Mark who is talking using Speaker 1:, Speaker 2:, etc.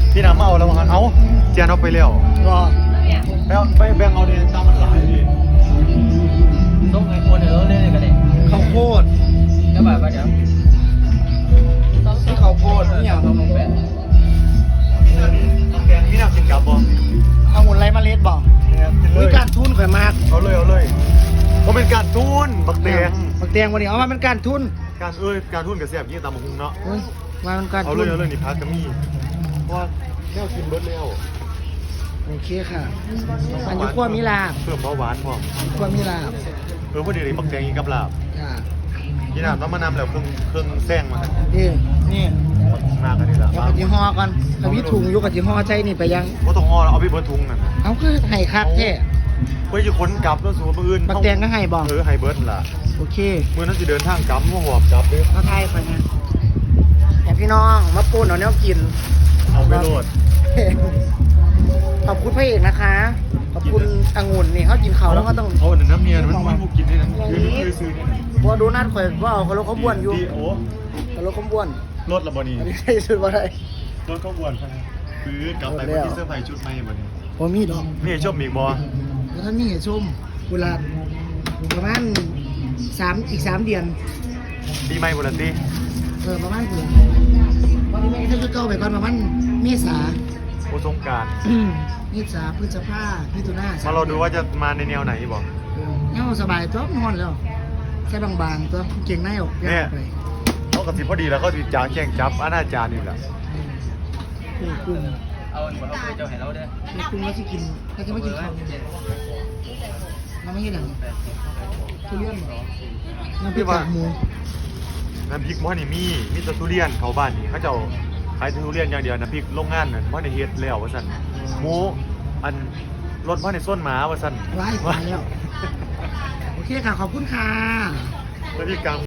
Speaker 1: พี่น้ำมาเอาแล้วว่าเอาเจียนเอาไปแล้ว
Speaker 2: รอ
Speaker 1: ไปแบ่งเอาเนี่ยตามมันหลายดิ
Speaker 3: ต้องไอ้คนเดี๋ยวเล่นกันเลย
Speaker 2: ข้าวโพด
Speaker 3: ก็แบบว่าเดี๋ยว
Speaker 2: ที่ข้าวโพดนี่อย่าง
Speaker 3: ต้องลงแปะ
Speaker 1: แกงพี่น้ำกินกับบ่
Speaker 2: เอาหุ่นไรมาเล็ดบอก
Speaker 1: เนี่ยกินเล
Speaker 2: วิ
Speaker 1: ย
Speaker 2: การทุนข่อยมาก
Speaker 1: เอาเลยเขาเป็นการทุนบักแดง
Speaker 2: บักแดงวันนี้เอามาเป็นการทุน
Speaker 1: การทุนกับเสียบยี่ตามหุงเนาะ
Speaker 2: เฮ้ยมาเป็นการ
Speaker 1: เอา
Speaker 2: ทุน
Speaker 1: เลยนี่พักกะมี่เพราะว่าแนวกินเบิร์ดแล้ว
Speaker 2: โอเคค่ะอันนี้ขั้วมิลาบ
Speaker 1: เพิ่มเบาหวานพร้อม
Speaker 2: ขั้วมิลาบ
Speaker 1: พอดีเลยบักแดงกินกับลาบ
Speaker 2: ค่ะ
Speaker 1: พี่น้ำต้องมานำแล้วเครื่องแซงมา
Speaker 2: นี่
Speaker 1: มากกันนี่ละ
Speaker 2: เดี๋ยวกับจีฮอก่อนถ้าพี่ถุงอยู่กับจีฮอใจนี่ไปยัง
Speaker 1: ว่าต้องงอแล้วเอาไปบนทุงนั่น
Speaker 2: เอาคือไห้คักแท้
Speaker 1: เพื่อจะขนกลับแล้วสู่มืออื่น
Speaker 2: บักแดงก็ให้บอก
Speaker 1: ไฮเบิร์ดล่ะ
Speaker 2: โอเค
Speaker 1: มือนั้นจะเดินทางกลับมาหอบกลับเลย
Speaker 2: มาไทยไปนะแต่พี่น้องมาปูนเอาแนวกิน
Speaker 1: เอาไปโหลด
Speaker 2: ขอบคุณพระเอกนะคะ ขอบคุณองุ่นนี่เขากินเขาวแล้วก็ต้อง
Speaker 1: เอาน้ำเนียนมันผูกกินนี่นะคือเคยซื้อนี่
Speaker 2: พอดูนัดข่อยว่าเอาเขารถเขาบ้วนอยู่
Speaker 1: ดีโอ้
Speaker 2: เขารถเขาบ้วน
Speaker 1: รถละบอนี
Speaker 2: อันนี้ใช่สุดว่าได้
Speaker 1: รถก็บวนใช่ไหมคือกลับไปวันที่เสื้อผ้าชุดใหม่บอนี
Speaker 2: พอมีดอก
Speaker 1: นี่ชอบมีบอ
Speaker 2: แล้วท่านมีเหตุชมเวลาประมาณอีก 3 เดือน
Speaker 1: ปีใหม่บุรีตี
Speaker 2: ประมาณเดือนวันนี้แม่ถ้าจะเก้าไปก่อนประมาณเมษา
Speaker 1: โอสงการ
Speaker 2: เมษาพฤษภามิถุนา
Speaker 1: มาเราดูว่าจะมาในแนวไหนบอก
Speaker 2: เงาสบายตัวนอนแล้วแค่บางๆตัวเก่งในออกยากไป
Speaker 1: เขากับสิพอดีแล้วก็ติดจางแข่งจับอนาจารอยู่แหละ
Speaker 2: กุ้ง
Speaker 3: เอาหมดเราเจ้าให้เราเด้อ
Speaker 2: ในกุ้งเราจะกินเราจะไม่กินข้าวเราไม่กินหนังทุเรียนเหรอน้ำพริกกากหมู
Speaker 1: น้ำพริกมอนี่มีแต่ทุเรียนเขาบ้านนี่เขาเจ้าขายทุเรียนอย่างเดียวน้ำพริกโรงงานนั่นมอในเฮ็ดแล้วว่าสั่นหมูอันรถมอในส้นหมาว่าสั่น
Speaker 2: ไล่ไปแล้ว โอเคค่ะ ขอบคุณค่ะ
Speaker 1: แล้วพี่กลาง